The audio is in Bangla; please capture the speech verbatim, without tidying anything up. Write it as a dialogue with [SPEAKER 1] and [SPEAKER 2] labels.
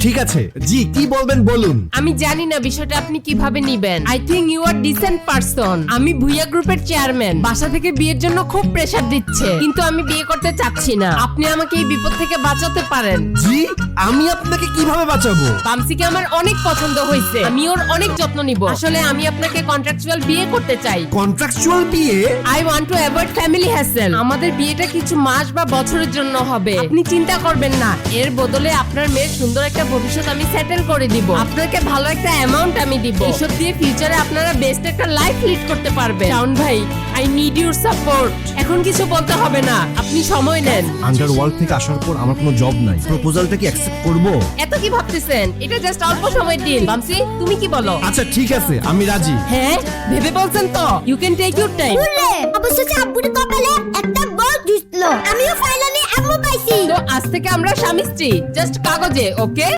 [SPEAKER 1] ঠিক আছে জি কি বলবেন বলুন।
[SPEAKER 2] আমি জানি না বিষয়টা আপনি কিভাবে নিবেন। I think you are decent person. আমি ভুইয়া গ্রুপের চেয়ারম্যান। বাসা থেকে বিয়ের জন্য খুব প্রেসার দিচ্ছে, কিন্তু আমি বিয়ে করতে চাচ্ছি না। আপনি আমাকে এই বিপদ থেকে বাঁচাতে পারেন।
[SPEAKER 1] জি আমি আপনাকে কিভাবে বাঁচাবো?
[SPEAKER 2] বামসিকে আমার অনেক পছন্দ হয়েছে, আমি ওর অনেক যত্ন নিব। আসলে আমি আপনাকে কন্ট্রাকচুয়াল বিয়ে করতে চাই।
[SPEAKER 1] কন্ট্রাকচুয়াল বিয়ে?
[SPEAKER 2] I want to avoid family hassle. আমাদের বিয়েটা কিছু মাস বা বছরের জন্য হবে। আপনি চিন্তা করবেন না, এর বদলে আপনার মেয়ের সুন্দর একটা ভবিষ্যৎ আমি সেটেল করে দিব। আপনাকে ভালো একটা অ্যামাউন্ট আমি দিব। এসব দিয়ে ফিউচারে আপনারা বেস্ট একটা লাইফ লিড করতে পারবেন। শাওন ভাই, আই নিড ইউর সাপোর্ট। এখন কিছু বলতে হবে না, আপনি সময় নেন।
[SPEAKER 1] আন্ডারওয়ার্ল্ড থেকে আসার পর আমার কোনো জব নাই, প্রপোজালটা কি অ্যাকসেপ্ট করব?
[SPEAKER 2] এত কি ভাবতেছেন? এটা জাস্ট অল্প সময়ের ডিল। বামসি, তুমি কি বলো?
[SPEAKER 1] আচ্ছা ঠিক আছে আমি রাজি।
[SPEAKER 2] হ্যাঁ, ভেবে বলছেন তো? You can take your time.
[SPEAKER 3] বলে অবশেষে আব্বুর কপালে একটা বল জুটলো। আমিও ফাইনালি আম্মু পাইছি।
[SPEAKER 2] তো আজ থেকে আমরা স্বামী স্ত্রী, জাস্ট কাগজে, ওকে?